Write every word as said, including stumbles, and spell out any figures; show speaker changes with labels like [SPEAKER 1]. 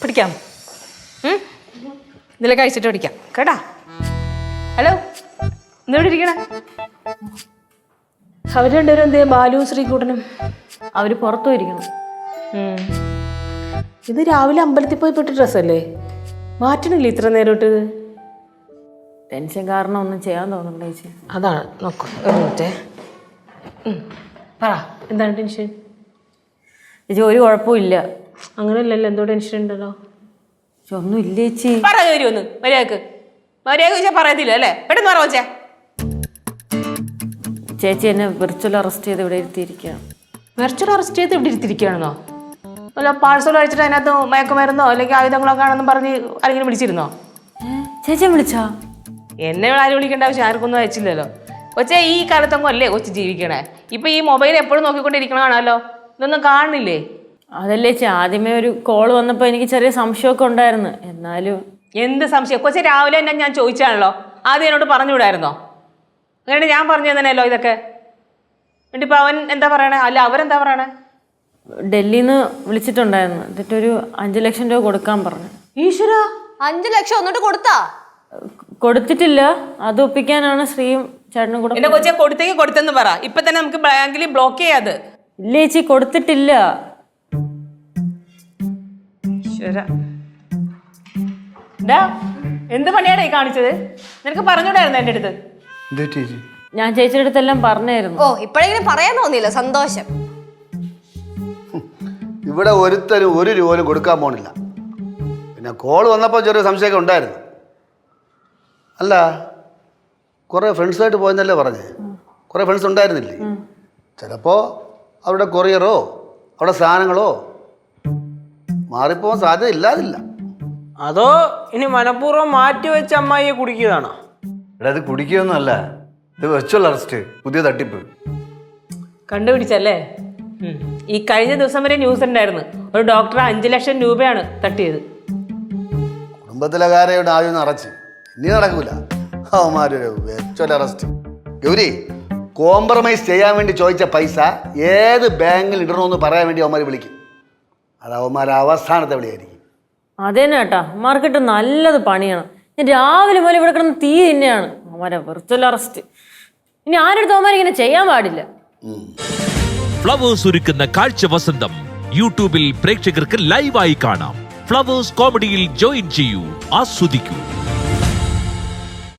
[SPEAKER 1] പിടിക്കാം. ഇതിലെ കഴിച്ചിട്ട് പിടിക്കാം കേട്ടാ. ഹലോ, എന്തെവിടെ ഇരിക്കണേ? അവര് രണ്ടുപേരും എന്തേ? ബാലുവും ശ്രീകൂട്ടനും
[SPEAKER 2] അവര് പുറത്തു പോയിരിക്കണം.
[SPEAKER 1] ഇത് രാവിലെ അമ്പലത്തിൽ പോയി പെട്ട ഡ്രസ്സല്ലേ, മാറ്റണില്ലേ ഇത്ര നേരോട്ട്?
[SPEAKER 2] ടെൻഷൻ കാരണം ഒന്നും ചെയ്യാൻ തോന്നുന്നുണ്ട് ചേച്ചി.
[SPEAKER 1] അതാണ്. നോക്കൂ ഒരു മിനിറ്റ്. പറ, എന്താണ് ടെൻഷൻ?
[SPEAKER 2] ചേച്ചി ഒരു കുഴപ്പമില്ല.
[SPEAKER 1] അങ്ങനെയല്ലല്ലോ, എന്തോ ടെൻഷൻ ഉണ്ടല്ലോ.
[SPEAKER 2] ഒന്നും ഇല്ല ചേച്ചി.
[SPEAKER 1] പറ ഒന്ന് മര്യാദക്ക്. മര്യാദ ചോദിച്ചാൽ പറയത്തില്ല അല്ലേ? പെട്ടെന്ന് പറ വെച്ചേ.
[SPEAKER 2] ചേച്ചി എന്നെ വിർച്വൽ അറസ്റ്റ് ചെയ്ത് ഇവിടെ ഇരുത്തിയിരിക്കുകയാണ്.
[SPEAKER 1] വിർച്വൽ അറസ്റ്റ് ചെയ്ത് ഇവിടെ ഇരുത്തിയിരിക്കുകയാണെന്നോ? അല്ല, പാഴ്സൽ കഴിച്ചിട്ട് അതിനകത്ത് മയക്കുമരുന്നോ അല്ലെങ്കിൽ ആയുധങ്ങളൊക്കെ ആണെന്നും പറഞ്ഞ് ആരെങ്കിലും വിളിച്ചിരുന്നോ?
[SPEAKER 2] ചേച്ചി വിളിച്ചാ?
[SPEAKER 1] എന്നെ ആരും വിളിക്കേണ്ട ആവശ്യം ആർക്കൊന്നും അയച്ചില്ലല്ലോ. കൊച്ചേ, ഈ കാലത്തൊന്നും അല്ലേ കൊച്ചു ജീവിക്കണേ? ഇപ്പൊ ഈ മൊബൈൽ എപ്പോഴും നോക്കിക്കൊണ്ടിരിക്കണതാണല്ലോ, ഇതൊന്നും കാണുന്നില്ലേ?
[SPEAKER 2] അതല്ലേ ചേച്ചി, ആദ്യമേ ഒരു കോള് വന്നപ്പോ എനിക്ക് ചെറിയ സംശയമൊക്കെ ഉണ്ടായിരുന്നു. എന്നാലും
[SPEAKER 1] എന്ത് സംശയം? കൊച്ചെ രാവിലെ തന്നെ ഞാൻ ചോദിച്ചാണല്ലോ, ആദ്യം എന്നോട് പറഞ്ഞുവിടായിരുന്നോ? അങ്ങനെ ഞാൻ പറഞ്ഞു തന്നെയല്ലോ ഇതൊക്കെ. എന്നിട്ടിപ്പോ അവൻ എന്താ പറയണേ? അല്ല, അവരെന്താ പറയണേ?
[SPEAKER 2] ഡൽഹിന്ന് വിളിച്ചിട്ടുണ്ടായിരുന്നു. എന്നിട്ടൊരു അഞ്ചു ലക്ഷം രൂപ കൊടുക്കാൻ പറഞ്ഞു.
[SPEAKER 1] ഈശ്വര,
[SPEAKER 3] അഞ്ചു ലക്ഷം ഒന്നിട്ട് കൊടുത്താ?
[SPEAKER 2] കൊടുത്തിട്ടില്ല. അത് ഒപ്പിക്കാനാണ് ശ്രീയും ചേട്ടനും കൂടെ.
[SPEAKER 1] എന്റെ കൊച്ചെ കൊടുത്തേക്ക് കൊടുത്തെന്ന് പറ. ഇപ്പൊ തന്നെ നമുക്ക് ബാങ്കിൽ ബ്ലോക്ക് ചെയ്യാത്.
[SPEAKER 2] ഇല്ല ചേച്ചി, കൊടുത്തിട്ടില്ല.
[SPEAKER 1] എന്ത് പണിയാണ് ഈ കാണിച്ചത്? നിനക്ക് പറഞ്ഞൂടായിരുന്നു എന്റെ അടുത്ത്?
[SPEAKER 2] ഞാൻ ചേച്ചിയുടെ അടുത്തെല്ലാം പറഞ്ഞായിരുന്നു.
[SPEAKER 3] ഓ, ഇപ്പോഴെങ്കിലും പറയാൻ തോന്നിയില്ല, സന്തോഷം.
[SPEAKER 4] ഇവിടെ ഒരുത്തരും ഒരു രൂപ പോലും കൊടുക്കാൻ പോണില്ല. പിന്നെ കോള് വന്നപ്പോൾ ചെറിയ സംശയമൊക്കെ ഉണ്ടായിരുന്നു. അല്ല, കുറേ ഫ്രണ്ട്സായിട്ട് പോയെന്നല്ലേ പറഞ്ഞേ? കുറേ ഫ്രണ്ട്സ് ഉണ്ടായിരുന്നില്ലേ? ചിലപ്പോൾ അവിടെ കൊറിയറോ അവിടെ സാധനങ്ങളോ മാറിപ്പോകാൻ സാധ്യത ഇല്ലാതില്ല.
[SPEAKER 5] അതോ ഇനി മനഃപൂർവ്വം മാറ്റി വെച്ച അമ്മായിയെ കുടിക്കുകയാണോ?
[SPEAKER 4] ഇവിടെ അത് കുടിക്കുകയൊന്നും അല്ല, ഇത് വെർച്വൽ അറസ്റ്റ്, പുതിയ തട്ടിപ്പ്.
[SPEAKER 1] കണ്ടുപിടിച്ചല്ലേ? ഈ കഴിഞ്ഞ ദിവസം വരെ ന്യൂസ് ഉണ്ടായിരുന്നു, ഒരു ഡോക്ടർ അഞ്ചു ലക്ഷം രൂപയാണ് തട്ടിയത്.
[SPEAKER 4] കുടുംബത്തിലെ കാര്യം ആദ്യം അറച്ച് ഇനി നടക്കൂല. അവന്മാരൊരു വെർച്വൽ അറസ്റ്റ്. ഗൗരി, കോംപ്രമൈസ് ചെയ്യാൻ വേണ്ടി ചോദിച്ച പൈസ ഏത് ബാങ്കിൽ ഇടണമെന്ന് പറയാൻ വേണ്ടി അവന്മാർ വിളിക്കും. അത് അവന്മാർ അവസാനത്തെ വിളിയായിരിക്കും.
[SPEAKER 2] അതേനെ കേട്ടാ, മാർക്കറ്റ് നല്ലത് പണിയാണ്. ഞാൻ രാവിലെ പോലെ ഇവിടെ കിടന്ന് തീ തന്നെയാണ്. അവന്മാരെ വെർച്വൽ അറസ്റ്റ് ഇനി ആരെടുത്ത് അവന്മാർ ഇങ്ങനെ ചെയ്യാൻ പാടില്ല.
[SPEAKER 6] ഫ്ലവേഴ്സ് ഒരുക്കുന്ന കാഴ്ച വസന്തം യൂട്യൂബിൽ പ്രേക്ഷകർക്ക് ലൈവായി കാണാം. ഫ്ലവേഴ്സ് കോമഡിയിൽ ജോയിൻ ചെയ്യൂ, ആസ്വദിക്കൂ.